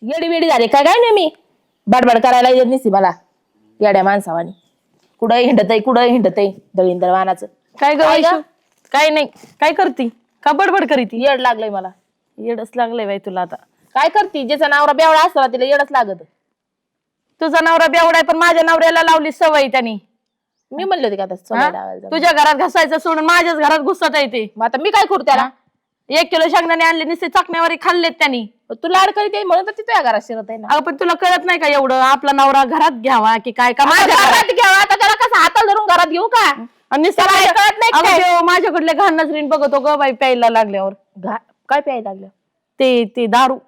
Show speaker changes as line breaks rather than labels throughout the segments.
येडी वेडी झाले काय काय नाही मी बडबड करायला येत नसती मला येड्या माणसावानी कुठं हिंडत आहे दळींदळ वाहनाचं
काय ग वैशू? काय नाही, काय करती? का बडबड करीती?
येड लागलंय मला.
येडच लागलंय बाई तुला आता.
काय करती ज्याचा नवरा बेवडा असतो ना तिला येडच लागत.
तुझा नवरा बेवडा आहे पण माझ्या नवऱ्याला लावली सवय त्यांनी.
मी म्हणले होते का आता सवय लावायला
तुझ्या घरात घसायचं सोडून माझ्याच घरात घुसत येते.
मग आता मी काय करू त्याला?
1 किलो शेंगदाणे आणले नुसते चकण्यावरी खाल्लेत त्यांनी.
तू लाड करीत म्हणून तर ती तुझ्या घरात शिरत आहे ना.
अगं पण तुला कळत नाही का एवढं आपला नवरा घरात घ्यावा की काय का माझ्या
घरात घ्यावा आता त्याला कसं हाताला धरून घरात घेऊ का?
आणि
त्याला कळत नाही काय?
माझ्याकडले घाण नजरीन बघतो ग बाई प्यायला लागल्यावर.
काय प्यायला लागलं?
ते दारू.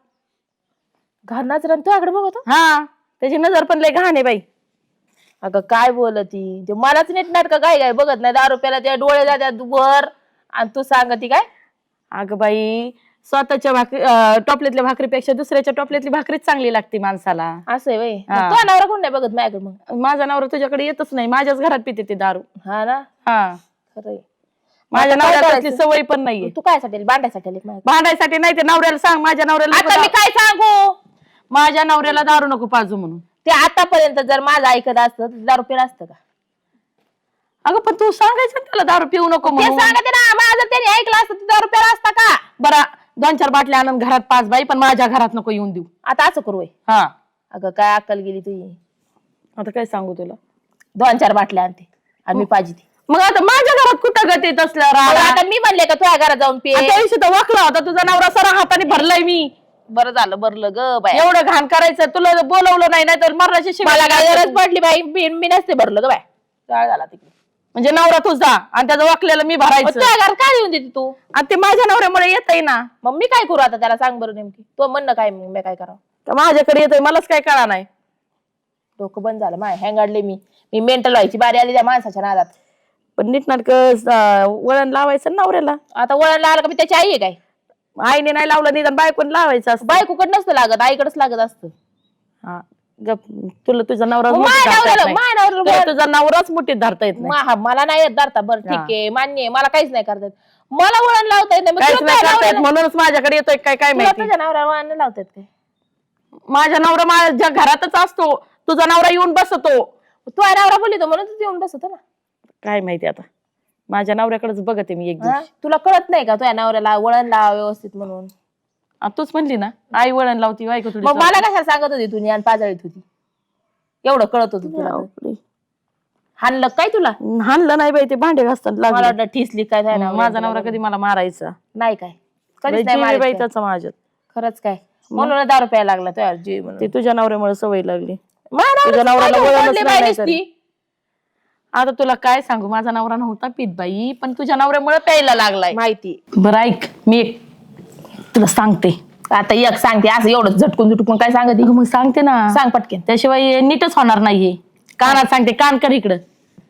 घरनाच रन तुझ्याकडे बघतो.
हा त्याची नजर पण लय घाण आहे बाई.
अगं काय बोलती ते मलाच नीट नाटक काय बघत नाही. दारू प्यायला त्या डोळे जात्यात वर आणि तू सांगती काय?
अगं बाई स्वतःच्या टोपल्यातल्या भाकरीपेक्षा दुसऱ्याच्या टोपल्यातली भाकरीच चांगली लागते माणसाला.
असं आहे बाई. तुझा नवरा कोण नाही बघत माझ्याकडे मग?
माझा नवरा तुझ्याकडे येतच नाही. माझ्याच घरात पिते ते दारू.
हा ना.
हा
खरंय.
माझ्या नवऱ्याला सवय पण नाहीये.
तू काय साठी भांडायसाठी?
भांडायसाठी नाही ते नवऱ्याला सांग माझ्या नवऱ्याला.
आता मी काय सांगू?
माझ्या नवऱ्याला दारू नको पाजू म्हणून.
ते आतापर्यंत जर माझं ऐकत असतं तर दारू पिलं असतं का?
अगं पण तू सांगायचं त्याला दारू पिऊ नको म्हणून.
सांगते ना माझं त्याने ऐकलं असतं दारू प्याला असता का?
बरा 2-4 बाटल्या आणून घरात पाच बाई पण माझ्या घरात नको येऊन देऊ.
आता असं करू.
हा
अगं काय अक्कल गेली तुझी.
आता काय सांगू तुला?
2-4 बाटल्या आणते आणि मी पाहिजे.
मग आता माझ्या घरात कुठं गती तसल्या राहणार?
आता मी म्हणले का तुझ्या घरात जाऊन पे?
त्या दिवशी तर वाकला होता तुझा नवरा सरा हाताने भरलाय मी.
बरं झालं भरलं ग बाई.
एवढं घाण करायचं तुला बोलवलं नाही तर मरणाची शिवाय
मला काय गरज पडली बाई? मी नसते भरलं ग बाय. काय झाला तिकडे
म्हणजे नवरा तुझा आणि त्याचं वाकलेलं मी भरायचं.
तुझ्या घरात काय येऊन देते तू?
आणि ते माझ्या नवऱ्यामुळे येतय ना.
मग मी काय करू आता त्याला? सांग बरं नेमकी तो म्हणणं काय? मग मी काय करावं?
तर माझ्याकडे येतोय मलाच काय कळा नाही.
डोकं बंद झालं माय. हँगाडले मी मेंटल व्हायची बारी आली त्या माणसाच्या नादात.
पण नीटनाटक वळण लावायचं नवऱ्याला.
आता वळण लागलं का? मी त्याची आई आहे काय?
आईने नाही लावलं निदान बायकोने लावायचं असतं.
बायकोकडे नसतं लागत, आईकडेच लागत असतं.
हा गप. तुला तुझा नवरा तुझा नवराच मुठीत धरता येत नाही.
मला नाही येत धरता. बरं ठीक आहे मान्य आहे. मला काहीच नाही करता येत. मला वळण लावता येत नाही.
म्हणूनच माझ्याकडे येतोय काय माहिती.
तुझ्या नवऱ्याला वळण लावतात काय?
माझा नवरा माझ्या घरातच असतो. तुझा नवरा येऊन बसतो.
तू नवरा बोलतो म्हणून तू येऊन बसतो ना.
काय माहिती आता. माझ्या नवऱ्याकडेच बघते मी एक दिवस.
तुला कळत नाही का तुझ्या नवऱ्याला वळण लावा व्यवस्थित म्हणून?
तूच म्हणली ना आई वळण लावती बायको तुझी.
मग मला कशाला सांगत होती तू? आणि पाजळीत होती एवढं कळत होतं तुला? हाणलं काय तुला?
हाणलं नाही बाई ते भांडे घासताना
मला वाटलं ठिसली काय?
माझा नवरा कधी मला मारायचा
नाही काय? कधीच नाही मारत
बाई
काय?
त्याचा माझ्यात.
खरंच काय? म्हणून दारू प्यायला लागला तुझ्या जीव म्हणून.
ते तुझ्या नवऱ्यामुळे सवय लागली.
तुझ्या
नवऱ्याला वळणच नाही. आता तुला काय सांगू माझा नवरा नव्हता पित बाई पण तुझ्या नवऱ्यामुळे प्यायला लागलाय.
माहिती.
बरं ऐक मी तुला सांगते.
आता एक सांगते असं एवढं झटकून काय सांगते?
मग सांगते ना.
सांग पटकन.
त्याशिवाय नीटच होणार नाहीये. कानात सांगते. कान कर इकडं.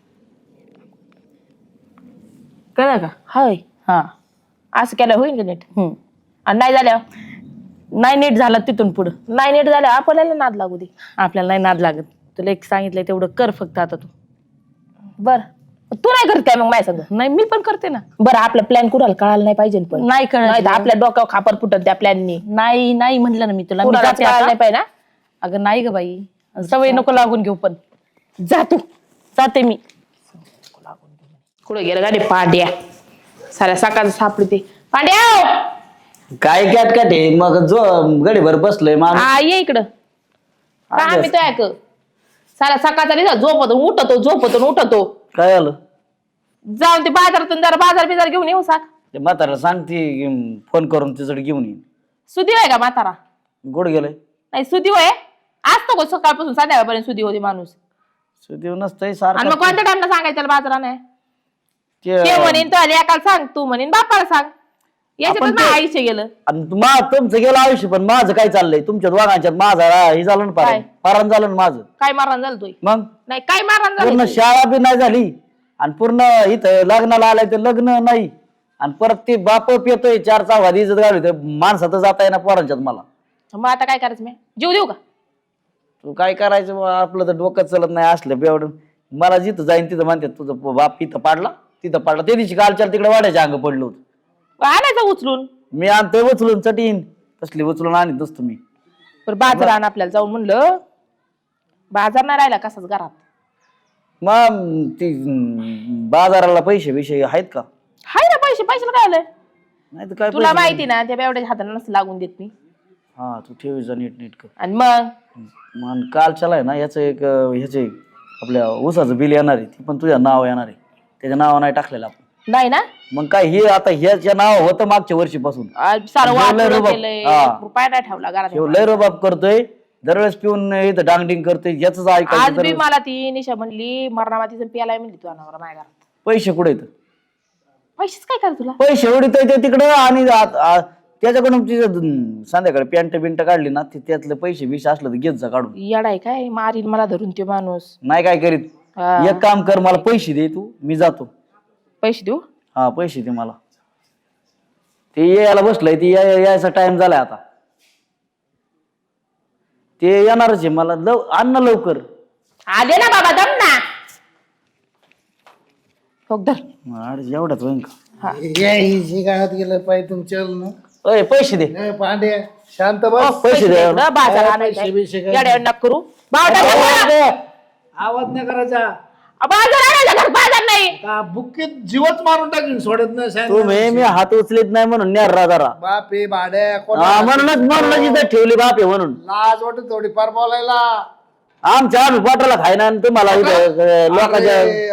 कळलं का?
हाय.
हा
असं केलं होईल का नीट?
आणि
नाही झाल्यावर?
नाही नीट झाला तिथून पुढं.
नाही नीट झालं आपल्याला नाद लागू दे.
आपल्याला नाही नाद लागत. तुला एक सांगितलंय तेवढं कर फक्त आता तू.
बर तू नाही करत काय मग माझ्या संग?
नाही मी पण करते ना.
बरं आपला प्लॅन कुणाला कळायला नाही पाहिजे पण.
नाही कळत.
आपल्या डोक्यावर खापर फुटत त्या प्लॅननी.
नाही नाही म्हटलं ना मी तुला. मी जाते
कळायला नाही
आता.
पाहिजे ना.
अगं नाही ग बाई सवय नको लागून घेऊ. पण
जा तू.
जाते मी.
कुठं गेलं गाडी? पांड्या साऱ्या सकाळचं सापडी ते. पांड्या
काय कॅट कॅट आहे मग जो गडीभर बसलोय माणूस.
हा ये इकडं. का आम्ही तो ऐक साऱ्या सकाळचा नाही उठतो.
काय आलं?
जाऊन ते बाजारातून जरा बाजार घेऊन येऊ साक.
ते म्हातारा सांगते फोन करून तिच्याकडे घेऊन येईन.
सुदी आहे का म्हातारा?
गोड गेलंय.
नाही सुदी होय असतो का सकाळपासून संध्याकाळपर्यंत सुदी होती माणूस?
सुदेव नसतंय
आणि
सारखं.
मग कोणत्या टाइमला सांगायचं त्याला बाजाराने?
ते-
ते म्हणेन तो एकाला सांग, तू म्हणेन बापाला सांग. याच्यातच माझं आयुष्य गेलं.
आणि तुमचं गेलं आयुष्य पण माझं काय चाललंय तुमच्या दोघांच्यात? माझा हे झालं ना
काय?
पारण झालं ना माझं.
काय मारहाण झालं तुझी?
मग
नाही काय मारहाण
पूर्ण
झालं?
शाळा बी नाही झाली आणि पूर्ण इथं लग्नाला आलाय ते लग्न नाही आणि परत ते बाप येतोय 4 चौघात इज्जत घालू माणसात जाता येणार पोरांच्यात मला.
मग आता काय करायचं? मी जीव देऊ का?
तू काय करायचं बुवा, आपलं तर डोकं चलत नाही असलं बेवडून. मला जिथं जाईन तिथं म्हणतात तुझं बाप इथं पाडला तिथं पाडला. त्या दिवशी कालच्या तिकडे वाड्याच्या अंग पडलं होतं.
आणायचं उचलून.
मी आणतोय उचलून चटीन तसली उचलून आणत नसतो मी.
बरं बाजार आण आपल्याला जाऊन म्हणलं, बाजार नाही राहिला कसाच घरात.
मग ती बाजाराला पैसे बिशे आहेत का?
हाय ना पैसे, पैशाला काय आलंय?
नाही तर काय
तुला माहिती ना त्या बेवड्याच्या हाताला नसतं लागून देत मी.
हा तू ठेवीचा नीट कर.
आणि मग
मग कालच्याला आहे ना याचं एक ह्याचे आपल्या ऊसाचं बिल येणार आहे, ती पण तुझ्या नाव येणार आहे. त्याच्या नाव नाही टाकलेलं आपण.
नाही ना
मग काय हे आता ह्याच्या नाव होतं मागच्या वर्षीपासून.
सारं
लय
वाटलं
रुबाब.
केलंय,
हा.
रुपया नाही ठेवला घरात.
ह्यो लय रोबाब करतोय, दरवेळेस पिऊन इथं डांगडिंग करतोय, याच
आज
ऐकायचं.
बी मला ती निशा म्हणली मरणामातीचं प्यालाय म्हणली तू अनावर माझ्या घरात.
पैसे कुठे येत?
पैसेच काय कर तुला?
पैसे उडीतोय ते तिकडं आणि त्याच्याकडून तिचं संध्याकाळी पॅन्ट बिंट काढली ना त्यातले पैसे बिश असलं तर घेत जा काढून.
येडाय काय मारील मला धरून ते माणूस.
नाही काय करीत.
हा.
एक काम कर, मला पैसे दे तू, मी जातो.
पैसे देऊ?
हा पैसे दे मला. ते यायला बसलंय, ती यायचा टाइम झालाय आता. ते येणारच आहे, मला आण ना लवकर.
आले ना बाबा दम ना. हो धर.
एवढ्याच होईन का?
हा.
गावात गेलं पाहिजे तुमच्या
अय पैसे दे.
पांड्या शांत बस.
पैसे दे.
इकडं बाजार आणायचा येड्यावर नक करू. बाजार
आवाज नाही करायचा.
आणायचा घर, बाजार नाही.
का बुक्कीत जीवच मारून टाकीन, सोडत नाही सांग.
तुम्ही मी हात उचलीत नाही म्हणून न्यार जरा.
बापे भाड्या
म्हणूनच इथं ठेवली बाप आहे म्हणून.
लाज वाटत थोडी फार बोलायला.
आमच्या आम्ही पोटाला खायना आणि तुम्हाला इथं लोकांच्या
अरे,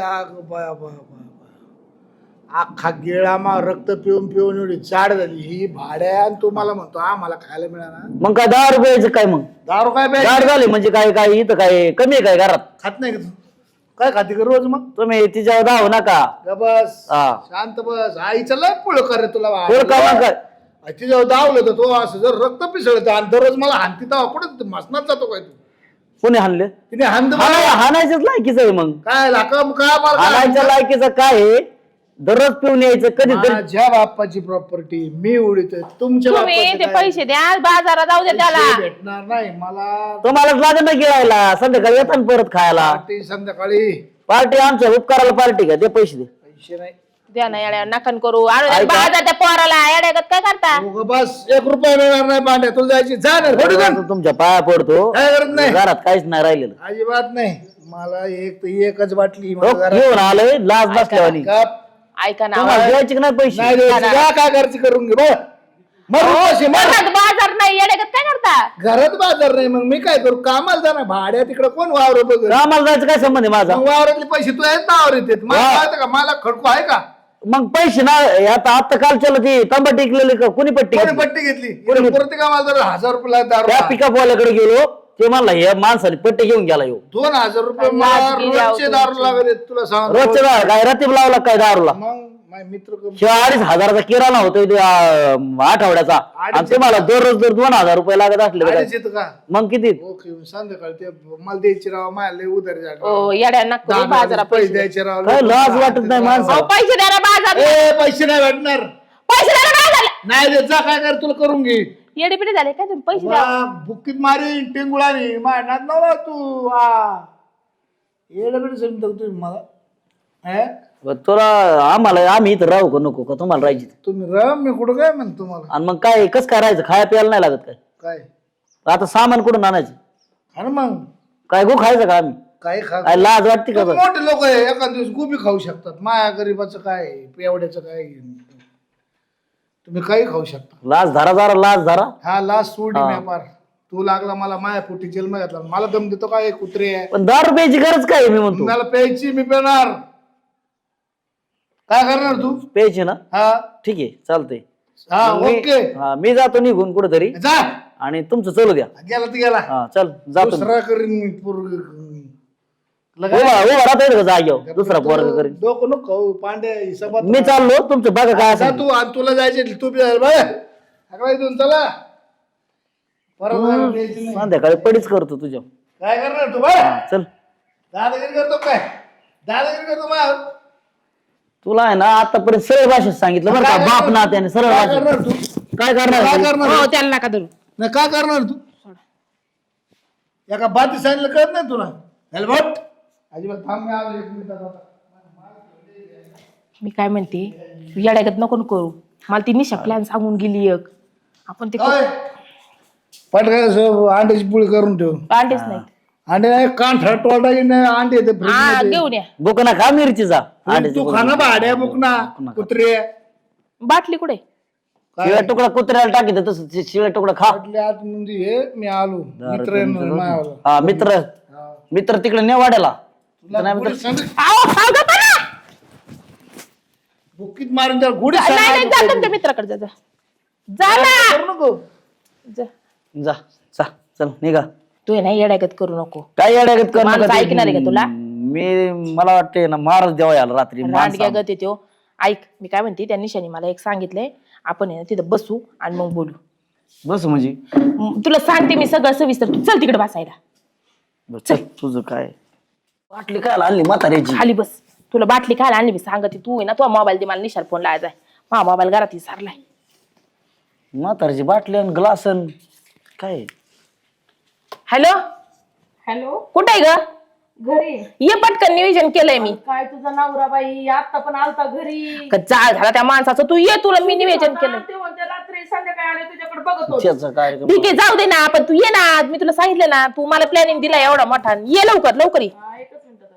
अख्खा गिळामा रक्त पिऊन पिऊन एवढी चाड झाली ही भाड्या, आणि तू मला म्हणतो आम्हाला खायला मिळाला.
मग काय 10 रुपयाचं काय? मग
दारू काय प्यायची?
गाड झाले म्हणजे काय काय इथं काय कमी आहे काय घरात?
खात नाही का तू? काय खाते का रोज मग?
तुम्ही तिच्यावर धावू नका.
ग बस
हा.
शांत बस. आईचं लय पुळ कर तुला
पोर का मग काय?
तिच्यावर धावलं तर तो असं जर रक्त पिसळत आणि दररोज मला हानती तेव्हा कुठे मसनात जातो काय तू?
कोणी हाणले?
तिने हांद
हाणायच्याच लायकीच आहे. मग
काय लाकम काय मला
हाणायच्या लायकीचं काय आहे? दररोज पिऊन यायचं कधी तरी.
माझ्या बाप्पाची प्रॉपर्टी मी उडीतोय, तुमच्या
तुम्ही ते
बाप्पाचं काय?
पैसे द्या, बाजारात जाऊ दे त्याला.
पैसे भेटणार नाही मला.
तुम्हालाच लागेल ना गिळायला, संध्याकाळी येतात परत खायला.
पार्टी संध्याकाळी.
पार्टी आमच्या उपकाराला पार्टी का? ते पैसे दे.
पैसे नाही.
द्या ना येड्या नकन करू. आणू द्या बाजार त्या पोराला. येड्यागत काय करता?
उगा बस 1 रुपया मिळणार नाही पांड्या. तुला जायची जा ना थोडी जा.
तुमच्या पाया पडतो.
काय करत नाही.
घरात काहीच नाही राहिलेलं.
अजिबात नाही. मला एकच बाटली
हो, घेऊन आलोय लाज नसल्यावानी.
कप
ऐका ना
तुम्हाला द्यायचे की नाही पैसे?
नाही द्यायची. जा काय घरची करून घे
घरात बाजार नाही. येड्यागत काय करता?
घरात बाजार नाही. मग मी काय करू? कामाला जा ना. भाड्या तिकडे कोण वावर बघ.
आम्हाला जायचं काय संबंध आहे माझा?
वावरातले पैसे तू आहेत ना वावर येतात. मला कळतं का? मला खडको आहे का?
मग पैसे ना आता काल चला ती तांबा टिकलेली का कोणी पट्टी
कोणी
घेतली?
पट्टी घेतली? परत कामाला जर 1000 रुपये दारू.
त्या पिकअप वाल्याकडे गेलो, ते म्हणला हे माणसाने पट्टी घेऊन गेला येऊ.
2000 रुपये मला रोजचे दारू लागत आहेत, तुला सांग.
रोजच्या दारू काय रतीब लावला काय दारूला?
मग माझे मित्र
शिवाय 2,500चा किराणा होतोय ते, आठवड्याचा. आणि तुम्हाला दररोज 2,000 रुपये लागत असले तर काय?
येतं का?
मग किती?
ओके संध्याकाळी ते मला द्यायची राव. माझ्या लय उधारी झाली.
ओ येड्या नक करू. बाजारात
पैसे
पैसे
द्यायचे राव.
काय लाज वाटत नाही माणसाला?
अहो, पैसे द्या ना बाजार.
पैसे नाही भेटणार.
पैसे द्या ना बाजार.
नाही देत जा. काय कर तुला करून घे.
येडे पिढे झाले काय तुम्ही? पैसे द्या.
बुक्कीत मारी टिंगुळानी मारणार नव्हा तू. येडे समजा तुम्ही मला.
तुला आम्ही इथं राहू का नको का? तुम्हाला राहायची?
तुम्ही राह. मी कुठं काय म्हणतो तुम्हाला.
आणि मग काय कस काय राहायचं? खाया प्यायला नाही लागत काय?
काय
आता सामान कुठून आणायचं?
आणि मग
काय गो खायचं का आम्ही?
काय खा.
काय लाज वाटते का? बरं?
मोठे लोक आहे एखाद दिवस गोबी खाऊ शकतात. माया गरीबाचं काय पेवड्याचं काय. तुम्ही काही खाऊ शकता.
लाज धरा जरा, लाज धरा.
हा लास्ट सोडी व्यापार. तू लागला मला माया पोटी जन्म घातला. मला दम देतो काय कुत्रे आहे.
पण 10 रुपयाची गरज काय आहे मी म्हणतो?
मला प्यायची मी पेणार. काय करणार तू?
प्यायची ना?
हा
ठीक आहे चालतंय.
हा
मी-
ओके
हा, मी जातो निघून कुठेतरी
जा.
आणि तुमचं चालू द्या.
गेला तर गेला.
हा चल जातो मी.
दुसरा करीन मी पोरग.
उभा राहता येईल का जाग्यावर? दुसरा पोरग करीन.
डोकं नको खाऊ, पांड्या हिसाबात.
मी चाललो, तुमचं बघा काय
जा
असेल.
तू. आणि तुला जायचे तू बी जायला बघ. सगळं इथून चला. परत मला द्यायची नाही.
संध्याकाळी पडीच करतो तुझ्या.
काय करणार तू बघ.
हा, चल.
दादागिरी करतो काय? दादागिरी करतो मग.
तुला आहे ना आतापर्यंत सरळ भाषेत सांगितलं बरं का? बाप ना त्याने सरळ
काय
भाषेत.
करणार तू?
काय करणार?
काय करणार?
हो त्याला नका धरू.
नाही काय करणार तू? एका बाती सांगितलं कळत नाही तुला? हेल्मेट अजिबात थांब. मी आलो 1 मिनिटात आता.
मी काय म्हणते, येड्यागत नको करू. मला ती निशा प्लॅन सांगून गेली एक. आपण ते
ओय, पटका अंड्याची पोळी करून ठेव.
अंडेच नाही.
अंडे नाही कांठा टोटाची नाही अंडे येते
हा
फ्रीज
घेऊन या.
बुकना खा मिरचीचा
तू खाना भाड्या बुकना कुत्रे
बाटली कुठे?
शिळा तुकडा कुत्र्याला टाकी तसं शिळा तुकडा खा.
म्हटले आज म्हणजे हे मी आलो मित्र आहे म्हणून मायावाला.
हा मित्र तिकडे ने वाड्याला.
तुला गोडी सांग-
आओ, सांगा मला.
बुकीत मारून त्याला गोडी
नाही नाही,
सांग
जा तुमच्या मित्राकडे जा. जा ना.
करू नको.
जा.
जा जा चल निघा.
तू आहे ना येड्यागत करू नको.
काय येड्यागत कर
माणूस
नका ते.
ऐकणार आहे का तुला?
मला वाटतंय ना मारच द्यावा याला रात्री
रांडग्या गत येतो. ऐक मी काय म्हणते, त्या निशाने मला एक सांगितलंय, आपण आहे ना तिथं बसू आणि मग बोलू.
बस म्हणजे
तुला सांगते मी सगळं सविस्तर. तू चल तिकडे बसायला.
बस, चल तुझं काय वाटली काय आणली म्हाताऱ्याची.
खाली बस. तुला बाटली खायला आणली मी सांगते. तू आहे ना तुझा मोबाईल दे मला, निशाल फोन लावायचा आहे. हा मोबाईल घरात विसरलाय.
म्हाताऱ्याची बाटली आणि ग्लास काय.
हॅलो
हॅलो,
कुठे आहे ग?
घरी
ये पटकन, नियोजन केलंय मी.
काय तुझा नवरा बाई आता पण आलता घरी.
का जाळ झाला त्या माणसाचं. तू ये, तुला मी नियोजन केलंय.
ते म्हणते रात्री संध्याकाळी आले तुझ्याकडे बघत होते.
त्याचा कार्यक्रम
ठीक आहे जाऊ दे ना, पण तू ये ना. मी तुला सांगितलं ना, तू मला प्लॅनिंग दिला एवढा मोठा. ये लवकर लवकर ये.
हा, एकच मिनिटात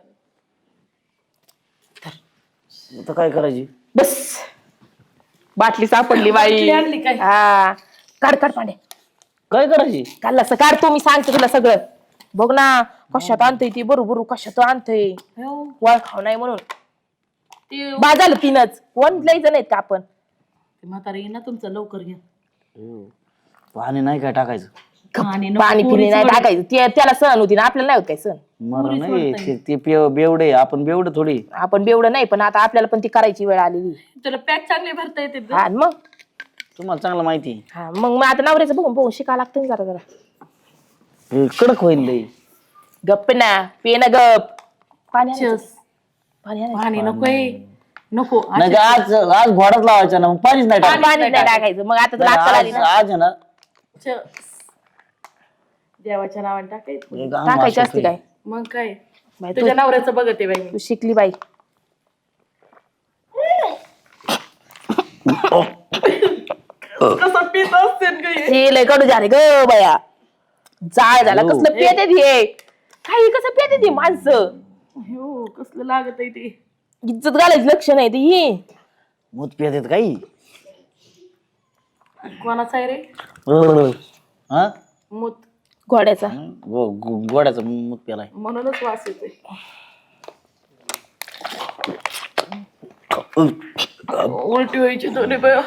आले.
आता काय करायची.
बस बाटली सापडली बाई.
बाटली आणली काय?
हा काढ काढ पांडे.
काय करायची.
काढलं असं काढ तू, मी सांगते तुला सगळं. बघ ना कशात आणतय ती, बरोबर कशात आणतय. वळ खाव नाही म्हणून
ते
बाजाल तीनच. कोण लय जण आहेत का आपण.
म्हातारी ना तुमचं लवकर घ्या.
पाणी नाही काय टाकायचं.
आणि नको
पाणी पिणी
पोरीच
नाही
वडे.
टाकायचं. त्याला सण होती ना, आपल्याला नाही होत काय सण.
मला नाही ते बेवडे आपण बेवडे थोडी.
आपण बेवडं नाही, पण आता आपल्याला पण ती करायची वेळ आलेली.
तुला पॅक चांगले भरता येते
हा आणि मग
तुम्हाला चांगलं माहिती आहे.
हा मग आता नवऱ्याचं बघून बघून शिकावं लागतं ना जरा जरा.
हे कडक होईल लई.
गप्प ना, पे ना गप. पाणी आणायचं. पाणी आणायचं.
पाणी नकोय नको.
नाही का आज आज घोडाच लावायचा ना मग पाणीच नाही टाकायचं.
पाणी नाही टाकायचं. मग आता तुला अक्कल आली
आज
ना.
आज आहे ना
देवाच्या नावाने टाकायचं.
एक आम
टाकायची
असं
असते काय.
मग काय
बाई,
तुझ्या नवऱ्याचं बघते बाई मी.
तू शिकली बाई.
कसं पित असते ग हे.
हे लय कडू झाले ग बया. जाळ झाला. कसलं पेते हे. काही कसं पेते ती माणसं.
हो कसलं लागत आहे ते.
इज्जत घालायची लक्षण आहे ती.
मूत पियात येत काही.
कोणाचा आहे रे
हा
मूत?
घोड्याचा.
गोड्याचा मूत प्यालाय.
म्हणूनच वास येतोय. उलटी व्हायची दोन्ही बाय.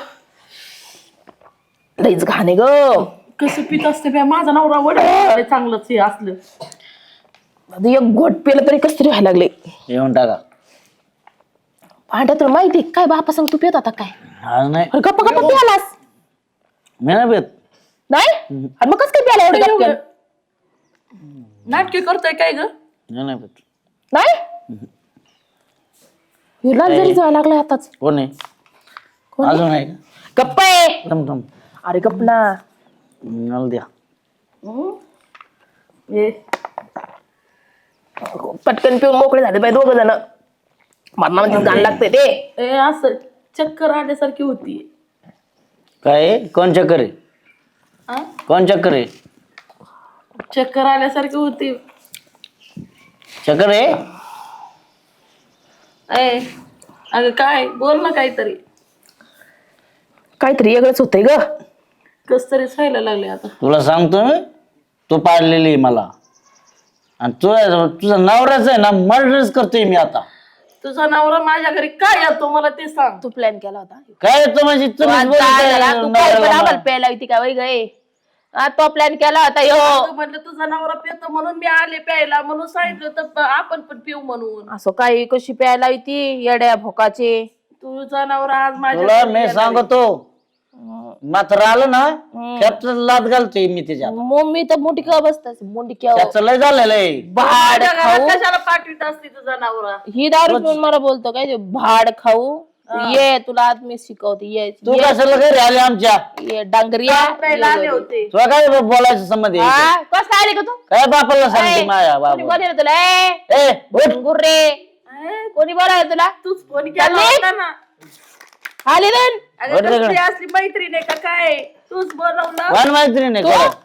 लईच घाणे ग.
कसं पित असते बाय माझा नवरा वडे चांगलंच हे असलं.
आता एक घोट पेलं तरी कस तरी व्हायला लागले.
येऊन टाका.
भांड्या तुला माहिती काय बापा सांग तू पित होता काय.
आज नाही
अरे गप्पा गप्पा प्यालास
मी नाही पियत.
नाही. आणि मग कस काय प्याला एवढं गप्प?
नाटके करतोय काय ग?
मी नाही पियत.
नाही. हे लाल जरी जायला लागलाय आताच.
कोण आहे अजून आहे का.
गप्प आहे.
थम थम
अरे गप्प ना.
मला द्या.
हे
पटकन पिऊन मोकळे झाले बाई दोघ जण. मरणामध्ये गाण लागते ते.
ए, असं चक्कर आल्यासारखी होती.
काय आहे? कोण चक्कर आहे.
आ?
कोण चक्कर आहे.
चक्कर आल्यासारखी होती.
चक्कर आहे.
ए अगं काय बोल ना काहीतरी.
काहीतरी वेगळंच होतंय ग.
कस तरी व्हायला लागले आता.
तुला सांगतो मी तू पाडलेली आहे मला. आणि तुझा नवराच आहे ना मर्डरच करतोय मी आता.
तुझा नवरा माझ्या घरी काय येतो मला ते सांग.
तू प्लॅन केला होता.
काय येतो म्हणजे
तू काय बराबर प्यायला होती का वय गे. तो प्लॅन केला होता यो.
अगं म्हणलं तुझा नवरा पितो म्हणून मी आले प्यायला म्हणून सांगितलं तर आपण पण पिऊ म्हणून.
असं काही कशी प्यायला होती येड्या भोकाचे.
तुझा नवरा आज माझ्या
तुला
घरी
मी
येणार
सांगतो मात्र आलं ना त्याच लाद घालतोय मी त्याच्यात.
मम्मी तर मोठी का बसतास मोठी क्या
त्याचं लय झालेलं आहे.
भाड
माझ्या घरात
खाऊ.
कशाला पाठवीत असते तुझा नवरा.
ही दारू पिऊन मला बोलतो काय ते भाड खाऊ. ये तुला आज मी शिकवते. ये
तू कशाला घरी आले आमच्या.
ये डांगरिया.
प्यायला आले होते.
तुला काय बोलायचं संबंध आहे?
हा, कस काय आली का तू.
काय बापाला सांगते माया
कोणी
बाबा.
बोलले तुला.
ए उठ.
गुर्रे
ए,
कोणी बोलाय तुला.
तूच फोन केला
चालली?
होता ना.
आली रे.
अगं कसली असली मैत्रीण आहे का काय. तूच बोलवलं.
कोण मैत्रीण आहे कोण?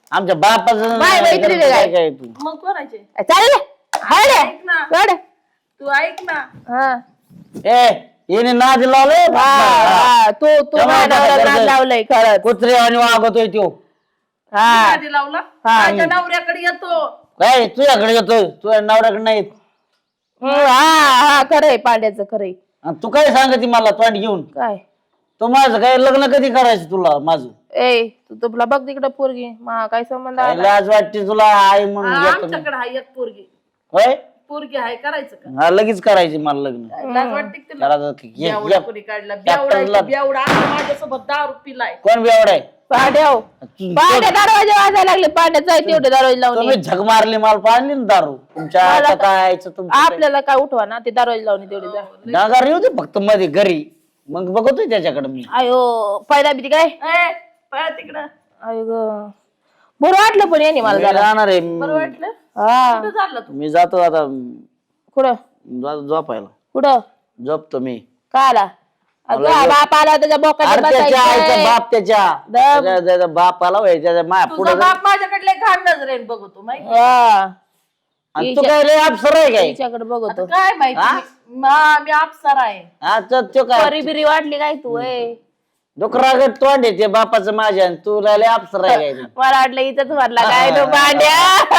आमच्या बापाचं
बाय मैत्रीण आहे काय?
काय तू
मग कोणाचे
चालेल
ऐक ना तू ऐक ना
हा
ए येणे नाद लावले
तू माझ्या नवऱ्याला नाद लावलंय खरंच
कुत्रे आणि वागतोय तो
हा
आधी लावला माझ्या नवऱ्याकडे येतो
काय तुझ्याकडे येतोय तुझ्या नवऱ्याकडे नाही येत.
हा खरंय पांड्याचं खरंय
आणि तू काय सांगते मला तोंड घेऊन
काय
तो माझं काय लग्न कधी करायचं तुला माझं
ए तू तुला बघ तिकडं पोरगी मा काय संबंध
काय
आला?
लाज वाटते तुला आई म्हणून घेतो मी.
आमच्याकडे आहे एक पोरगी
होय
पोरगी आहे करायचं का
हा लगेच करायची मला लग्न
लाज वाटते का तुला?
करायचं की घे,
बेवडा
घे.
कोणी काढला
ट्रॅक्टरला-
बेवडा आता माझ्यासोबत दारू पिलाय
कोण बेवड आहे
पांड्याव पांड्या दरवाजे वाजायला लागले पांड्याचा तेवढे दरवाजे लावून
तुम्ही झग मारली मला पाहिली ना दारू तुमच्या आता काय तुमचं
आपल्याला काय उठवा ना ते दरवाजे लावून तेवढे जा
डागार येऊ दे फक्त मध्ये घरी मग बघतोय त्याच्याकडे मी
अयो पायदा भीती काय
पळा तिकडं
अयो ग बरं वाटलं पण याने मला
मी
जरा
जाणार आहे
बरं वाटलं
हा
कुठं चालला तू
मी जातो आता
कुठं
झोपायला
कुठं
झोपतो मी
का आला अगं बाप आला त्याच्या बोकात
अरे त्याच्या आईचा बाप त्याच्या
दम.
त्याच्या बापाला होय त्याच्या माया
तुझा
पुढे
बाप माझ्याकडले घाण नजरेन बघतो माहिती
तू काय लय अप्सर आहे काय
तिच्याकडे बघतो
काय माहिती मी अप्सरा आहे
हा तो काय
परी बिरी वाटली काय तू ए
डुकरागत तोंड आहे ते बापाचं माझ्या आणि तू लय अप्सर आहे काय
मला वाटलं इथंच भरला काय तो पांड्या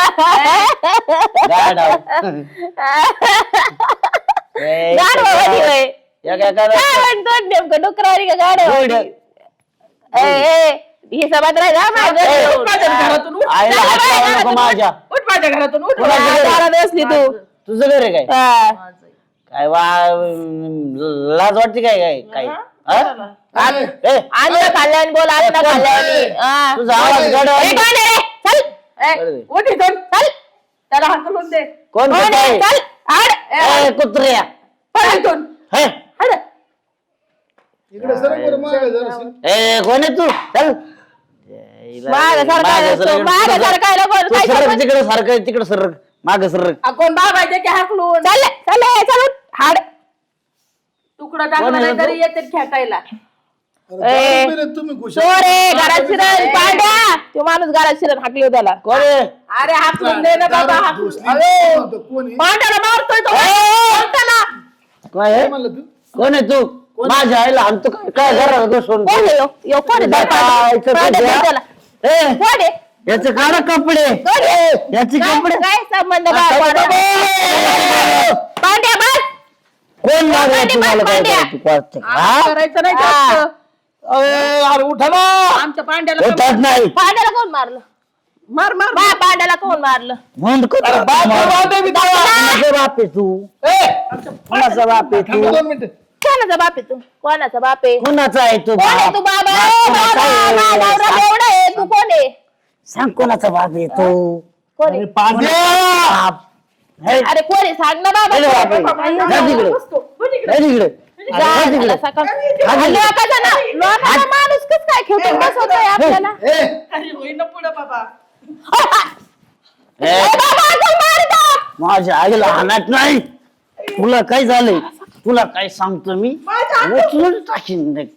गाढव. ए,
गाढवावानी होय.
या काय
काय म्हणतो नेमकं डुकरावानी का गाढवावानी? ही सभात राहिला माझ्या
माझ्या घरातून उठ.
आईला हात लावू नको माझ्या
उठ माझ्या घरातून उठ
घरात असली तू
तुझं घर आहे काय
हा.
काय लाज वाटते काय काय काय हा? ए,
आलं खाल्ल्याने बोल आलं ना खाल्ल्याने हा.
तुझा आवाज गाढव
ए,
आहे.
कोण आहे रे? चल
ए, उठ इथून
चल
त्याला हाकलून दे
कोण
कोण
कुठं
आहे?
आहे?
चल आड
ए, कुत्र्या
पळ इथून
हे?
इकडे सर बरं मागे जरासं.
ए कोण आहे तू चल
मागं सरकायला असतो, मागं सरकायला बोल, काय सरक?
तिकडे सारखं तिकडे सरक माग सरक
कोण बाबा आहे की हाकलून
चल चल हाड
तुकडा टाकला नाही तरी येते खेटायला
अरे दारू पिले तुम्ही खुशाल.
चोर आहे घरात शिरण पांड्या तो माणूस घरात शिरण हाकली त्याला
कोण आहे
अरे हाकलून दे ना बाबा
दारू
हाकलून
घुसली.
अरे
म्हणतो, कोण आहे?
पांड्याला मारतोय तो पांड्याला.
काय आहे?
काय म्हणलं तू
कोण आहे तू माझ्या आईला आणतो काय काय घरात घुसून
कोण आहे यो कोण आहे?
बाबा,
पांड्या,
इथं
पांड्या,
तुझ्या-
त्याला.
ए,
कोण आहे?
याचे काढा कपडे
कोण आहे?
याचे
काय
कपडे
काय संबंध पांड्या बस
कोण मागे
पांड्या,
तुम्हाला काय
पांड्या.
करायचं? कळतं का? हा?
करायचं नाही
हा.
जास्त.
अरे उठा ना
आमच्या पांड्याला
उठत नाही
पांड्याला कोण मारलं
मार मार
बा पांड्याला कोण मारलं
बंद कर कोणाचा बाप आहे तू कोणाचा बाप आहे तू
थांबा 2 मिनिटं.
कोणाचा बाप आहे तू कोणाचा बाप आहे
कोणाचा आहे तू
कोण आहे तू बाबा
कोणाचा आहे?
बाबा, नवरा एवढा आहे तू कोण आहे
सांग कोणाचा बाप आहे तू
कोण आहे
बाप. हे,
अरे कोण आहे सांग ना बाबा
अरे बापरे. जा तिकडे. जा तिकडे.
जा,
जा तिकडे.
त्याला सकाळ- लोकांचा माणूस कस काय खेळून बसवतोय आपल्याला
ए,
अरे होईना पुढं बाबा
ए,
बाबा, तो मारतो.
माझ्या आईला हाणत नाही तुला काय झालंय तुला काय सांगतो मी उचलून टाकीन नाही.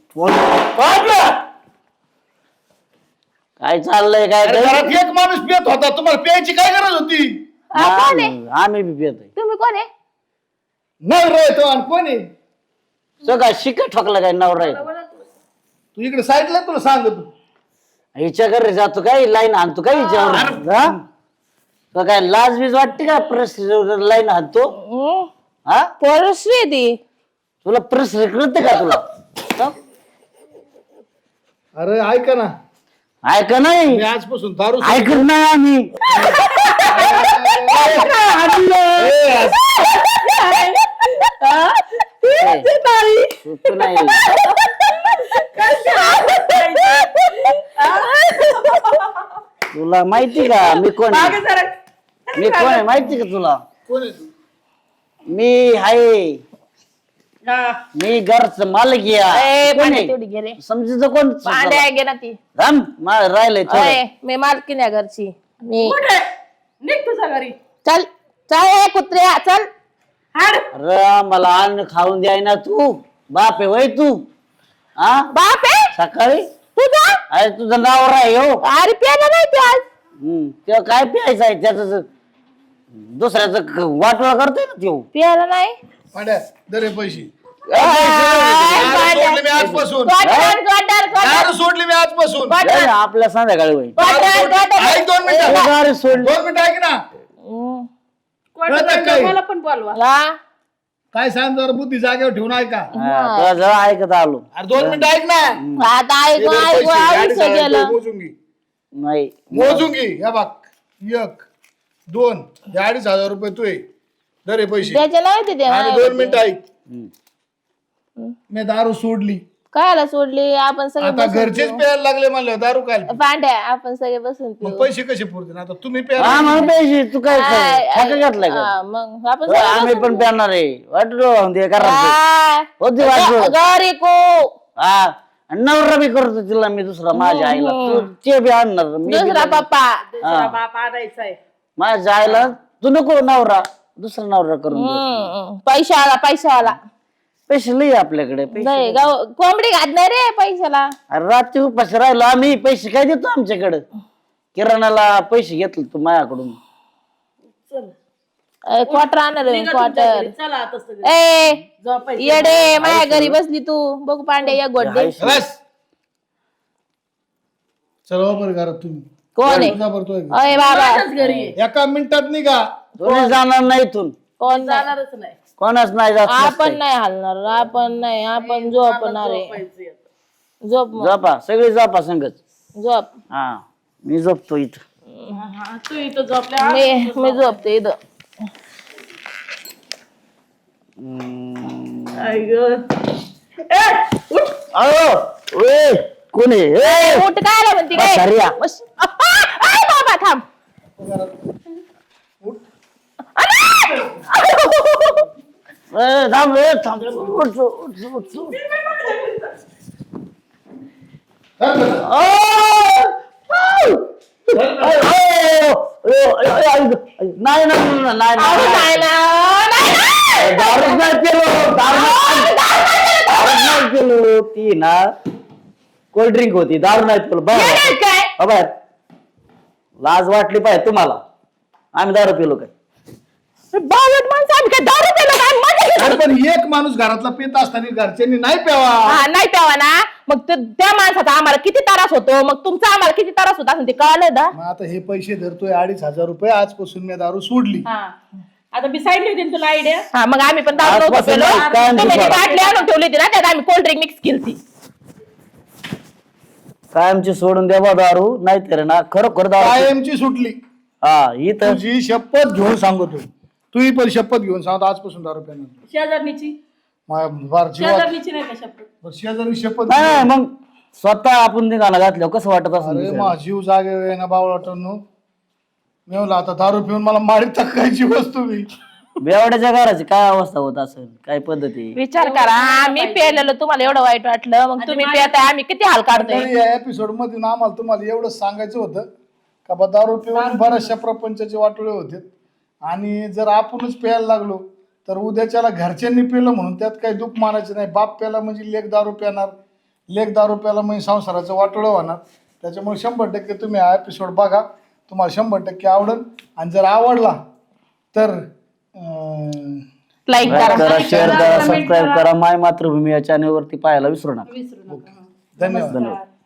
काय चाललंय काय
अरे घरात एक माणूस पियत होता तुम्हाला प्यायची काय गरज होती
कोण आहे?
आम्ही बी पितोय
तुम्ही कोण आहे
नवरा आहे तो आणि कोण आहे
सगळं शिक ठोकलं काय नवरा आहे
तू इकडे साईडला तुला सांगतो
हिच्या घरी जातो काय लाईन आणतो काय हिच्यावर हा? तो काय लाज बीज वाटते का प्रेस लाईन आणतो हा
परश्री ती
तुला प्रेस कळते का तुला हा?
अरे ऐका ना
ऐक नाही
मी आजपासून दारू
ऐकत नाही आम्ही तू नाही तुला माहिती का मी कोण आहे?
मागे जरा
मी कोण आहे माहिती का तुला
कोण आहे तू
मी आहे
हा.
मी घरच मालक
ए,
कोण
पांड्या
आहे
तेवढी घे रे
समजीचं कोण
पांड्या घे ना ती
राम राहिलंय थोडं.
ओय, मी मालकीन आहे घरची मी
कुठे निघ तुझ्या घरी
चल चल ए, कुत्र्या चल
हाड
अरे मला अन्न खाऊन द्याय ना तू बाप आहे वय तू हा
बाप आहे
सकाळी
तुझा
अरे तुझं नाव आहे हो
अरे प्याला नाही ते आज
तेव्हा काय प्यायचं आहे त्याच दुसऱ्याचं वाटोळा करतोय ना त्यो.
प्यायला नाही
पाड्या दरे पैसे दारू सोडली मी आजपासून दारू सोडली मी आजपासून
जाय ना, आपल्या संध्याकाळी होईल.
ऐक 2 मिनिटं
दारू सोडली.
2 मिनिटं ऐक ना कळतं काय?
मला पण बोलवा.
हा?
काय सांग जरा बुद्धी जागेवर ठेवून ऐका
तुला जरा ऐकत आलो.
अरे 2 मिनिटं ऐक ना
आता
हे
ऐकू
दर
ऐकू
पैसे,
आयुष्य
2.5
गेलं
मोजून घे
नाही
मोजून घे या बघ 1 2 2,500 रुपये तू दरे पैसे
त्याचे नाही ते
आणि 2 मिनिटं ऐक
हम्म.
मी दारू सोडली
कायला सोडली आपण सगळे
आता
बसून
घरचेच
पिऊ.
प्यायला लागले म्हणलं दारू काय
पांड्या आपण सगळे बसून पिऊ.
मग पैसे कसे पुरतील आता तुम्ही
हा
प्यायला
मग पैसे तू काय
आय,
ठाका घातलाय का
हा, मग आपण
हो,
सगळे
आम्ही
बसून
पण
पिऊ.
प्यारणार आहे वाटलो ते करायचं
हा.
होती वाटलो
घरी को
हा आणि नवरा बी करतो तिला मी दुसरा माझ्या आईला तू ते बी आणणार मी बी
दुसरा
आणणार.
पप्पा
हा.
बाप आणायचा आहे.
माझ्या आईला तू नको नवरा दुसरा नवरा करून दे.
पैशावाला
पैसे लई आपल्याकडे पैसे
नाही गाव कोंबडी घात नाही रे पैशाला
अरे रात्री उपाशी राहिलो आम्ही पैसे काय देतो आमच्याकडे किराणाला पैसे घेतले तू माझ्याकडून
क्वार्टर आणणार
निघा तुमच्या
क्वार्टर
घरी. चला आता सगळे.
ए
झोपायचं.
येडे माझ्या घरी बसली तू बघू पांड्या या गोडे
बस चला बरं घरात तुम्ही
कोण आहे
तुझा बरं तो आहे.
अय बाबा
माझ्याच घरी आहे.
एका मिनिटात निघा
तुम्ही जाणार नाही इथून
कोण नाही
जाणारच नाही.
कोणाच नाही जात
आपण नाही हलणार आपण नाही आपण झोपणार आहे
झोपायचं आहे.
झोप मग.
झोपा सगळी झोपा संगच
झोप
हा मी झोपतो इथं
हा, तू इथं झोपल्या.
मी झोपते इथं
आई गं. ए, उठ.
अहो ओए कोण आहे ए,
उठ काय म्हणते काय
म्हाताऱ्या.
बस. आय बाबा थांब
ए, थांब ए, थांब उठ, उठ, उठ, उठ. ओ, ओ, नाही नाही नाही
अहो, नाही ना, नाही ना.
दारूच नाही केलो दारूच नाही केलो ती ना कोल्ड ड्रिंक होती दारू नाही केलो
येणार काय
बाहेर लाज वाटली पाहिजे तुम्हाला आम्ही दारू पिलो काय
बावट माणसं आम्ही काय दारू प्यायला काय मजा घेतो?
अरे पण एक माणूस घरातला पित असताना घरच्यांनी नाही प्यावा
हा नाही तेव्हा ना मग त्या माणसाचा आम्हाला किती त्रास होतो मग तुमचा आम्हाला किती त्रास होता असं ते कळलं ना
मग आता हे पैसे धरतोय 2,500 रुपये आजपासून मी दारू सोडली
हा. आता मी सांगितली होती ना तुला आयडिया.
हा मग आम्ही पण दारू नव्हतो
आजपासून
पेलो.
नाही, काय
तुम्ही ती
नाही.
बाटली आणून ठेवली होती ना त्यात आम्ही कोल्ड ड्रिंक मिक्स केली ती
कायमची सोडून द्यावा दारू नाही तर ना खरोखर दारू
कायमची सुटली
हा इथं
तुझी शपथ घेऊन सांगतो तूही पण शपथ घेऊन सांगतो आजपासून दारू पिणार
शेजारणीची
फार जीवात
शेजारणीची नाही का शपथ.
शेजारी शपथ
नाही नाही, मग स्वतः आपण निघाला घातलं कसं वाटत असं
अरे मा जीव जागे ना बावळाटांनो मी म्हणलं आता दारू पिऊन मला मारीत टाकायची वस्तू मी
बेवड्याच्या घराची काय अवस्था होत असेल काय पद्धती
विचार करा आम्ही पेलेलो तुम्हाला एवढं वाईट वाटलं मग तुम्ही पेताय आम्ही किती हाल काढतोय
तरी या एपिसोड मध्ये ना आम्हाला तुम्हाला एवढंच सांगायचं होतं का बा दारू पिऊन बऱ्याचशा प्रपंचाचे वाटोळे होते आणि जर आपणच प्यायला लागलो तर उद्याच्याला घरच्यांनी पिलं म्हणून त्यात काही दुःख मानायचं नाही बाप प्याला म्हणजे लेक दारू प्याणार लेक दारू प्याला म्हणजे संसाराचं वाटोळं होणार त्याच्यामुळे 100% तुम्ही हा एपिसोड बघा तुम्हाला 100% आवडेल आणि जर आवडला तर
लाईक करा
करा शेअर करा सबस्क्राईब करा माय मातृभूमी या चॅनलवरती पाहायला विसरू नका
विसरू नका.
धन्यवाद
धन्यवाद